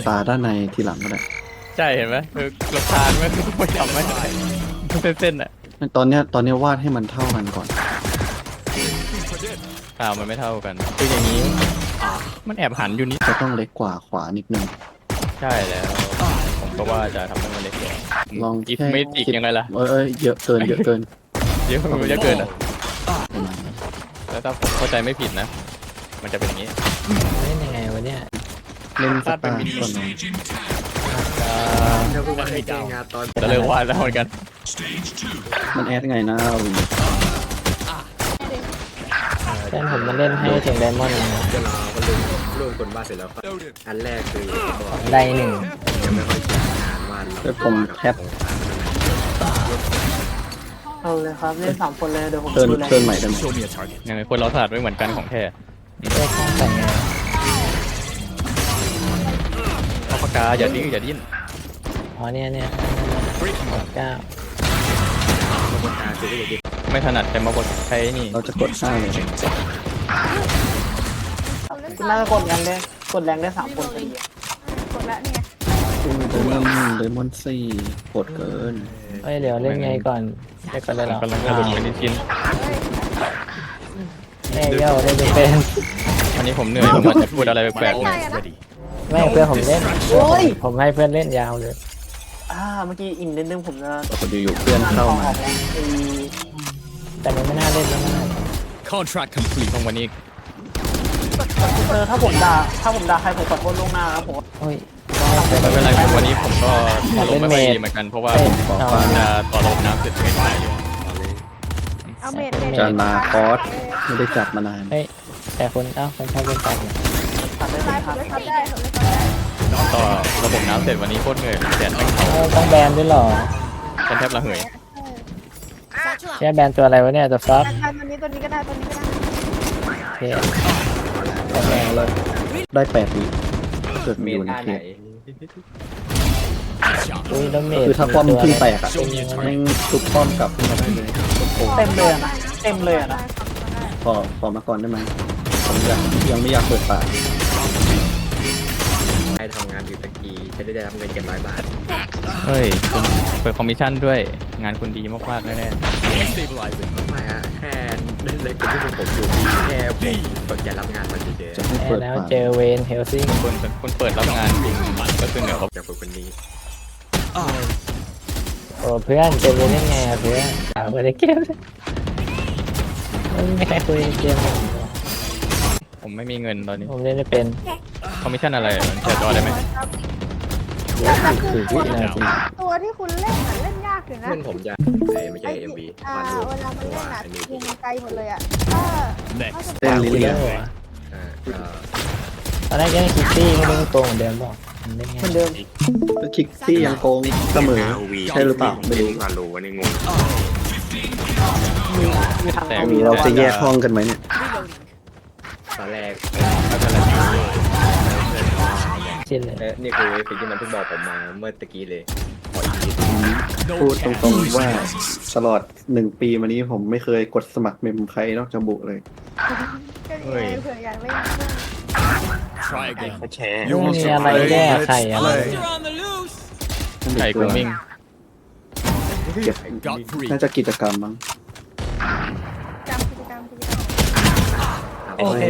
ตาด้านในทีหลังก็ได้ใช่เห็นไหมคือรำคาญไหมคือไม่ทำไม่ได้เส้นๆอ่ะตอนเนี้ยวาดให้มันเท่ากันก่อนมันไม่เท่ากันคืออย่างนี้มันแอบหันอยู่นิดจะต้องเล็กกว่าขวานิดนึงใช่แล้วผมก็ว่าจะทำให้มันเล็กกว่าลองอีฟแค่ไม่อีกยังไงล่ะเยอะเกินเยอะเกินเยอะเกินอ่ะประมาณนั้นแล้วถ้าผมเข้าใจไม่ผิดนะมันจะเป็นอย่างนี้เล่นยังไงวะเนี่ยเล่นสตาร์ก่อนเนาะแล้วก็มาให้แก้งานตอนจะเลิกวาดแล้วเหมือนกันมันแอดไงนะวินแฟนผมมาเล่นให้ถึงไดมอนด์นะจะรอก็ร่วมคนบ้านเสร็จแล้วครับอันแรกคือบอกได้หนึ่งยังไม่ค่อยชินงานวันแล้วผมแคปเอาเลยครับเล่น3 คนเลยเดี๋ยวผมเทิร์นดูแลเทิร์นใหม่ได้ไหมยังไงคนเราถนัดไม่เหมือนกันของแท้เล่นข้างแต่งงานเอาปากกาอย่าดิ้นอ๋อเนี่ย9 การซื้อได้ดีไม่ถนัดแต่มากดใช้นี่เราจะกดห้าเลยน่าจะกดแรงได้3 คนพอดีกดแล้วเนี่ยเดมอนซี่กดเกินเฮ้ยเดี๋ยวเล่นไงก่อนเล่นก่อนได้หรอกำลังจะหลุดไปนิดชิ้นแม่เย่าเล่นไม่เป็นวันนี้ผมเหนื่อยผมอาจจะพูดอะไรแปลกๆหน่อยไม่เพื่อนผมเล่นผมให้เพื่อนเล่นยาวเลยเมื่อกี้อินนิดนึงผมจะพอดีอยู่เพื่อนเข้ามาแต่มันไม่น่าเล่นแล้วนะตรงวันนี้ถ้าผมด่าใครผมขอโทษล่วงหน้าครับผมโอ้ยไม่เป็นไรครับวันนี้ผมก็อารมณ์ไม่ค่อยดีเหมือนกันเพราะว่าผมจะต่อลมน้ำเสร็จไม่ได้เลยเอาเมดจานาคอสไม่ได้จับมานานเฮ้ยแต่คนคนชอบเล่นตัดเนี่ยตัดได้ได้คผรัมบเลยทำได้ผมเลยทำได้ต่อระบบน้ำเสร็จวันนี้โคตรเหนื่อยแดดแม่งเผาต้องแบนด้วยหรอฉันแทบระเหยแค่แบนตัวอะไรวะเนี่ยตัวฟักได้ตัวนี้ก็ได้ตัวนี้ก็ได้โอเคแรงเลยได้8 วิเกิดมีอยู่ในท่าเทไหนปอุ้ยแล้วเมดคือถ้าป้อมเพิ่งแตกอ่ะแม่งทุบป้อมกลับขึ้นมาได้เลยโอ้โหเต็มเลยนะเต็มเลยนะขอมาก่อนได้ไหมผมยังไม่อยากเปิดปากให้ทำงานอยู่ตะกี้จะได้รับเงิน700 บาทเฮ้ยคุณเปิดคอมมิชชั่นด้วยงานคุณดีมากๆแน่ไม่อะแค่เล่นเลยคนที่ผมอยู่แค่ผมสนใจรับงานมันเฉยจะให้แพ้เปิดแล้วปากเจอเวนเฮลซิงๆคุณเปิดรับงานจริงก็คือเหนือเขาๆจากคนนี้โอ้เพื่อนเจอเวนเล่นไงอะเพื่อนไม่ได้เกมไม่ใครคุยเกมผมไม่มีเงินตอนนี้ผมเล่นไม่เป็นคอมมิชชั่นอะไรมันแชร์จอได้ไหมคือวินาทีตัวที่คุณเล่นเล่นยากอยู่นะเพื่อนผมจะไม่ใช่ MV วาดรูปเวลามันเล่นอันนี้ยิงไกลหมดเลยอ่ะเต้นลิคุยเลีแล้ยวเหรอก็ตอนแรกยังคิตตี้ไม่รู้ตัวเหมือนเดิมบอกมันเล่นไงเหมือนเดิมก็คิกซี่ยังโกงเสมอใช่หรือเปล่าไม่รู้วาดรูปวันนี้งงมีทางแต่เราจะแยกห้องกันไหมเนี่ยตอนแรกชินเลยนี่คือสิ่งที่มันเพิ่งบอกผมมาเมื่อตะกี้เลยขออีกทีพูดตรงๆว่าตลอด1 ปีมานี้ผมไม่เคยกดสมัครเมมใครนอกจากบุเลยก็ดีไงเผื่ออยากเล่นไม่มีอะไรแก้ไขอะไรไก่กูมิ่งเก็บน่าจะกิจกรรมมั้งจำกิจกรรมโอเค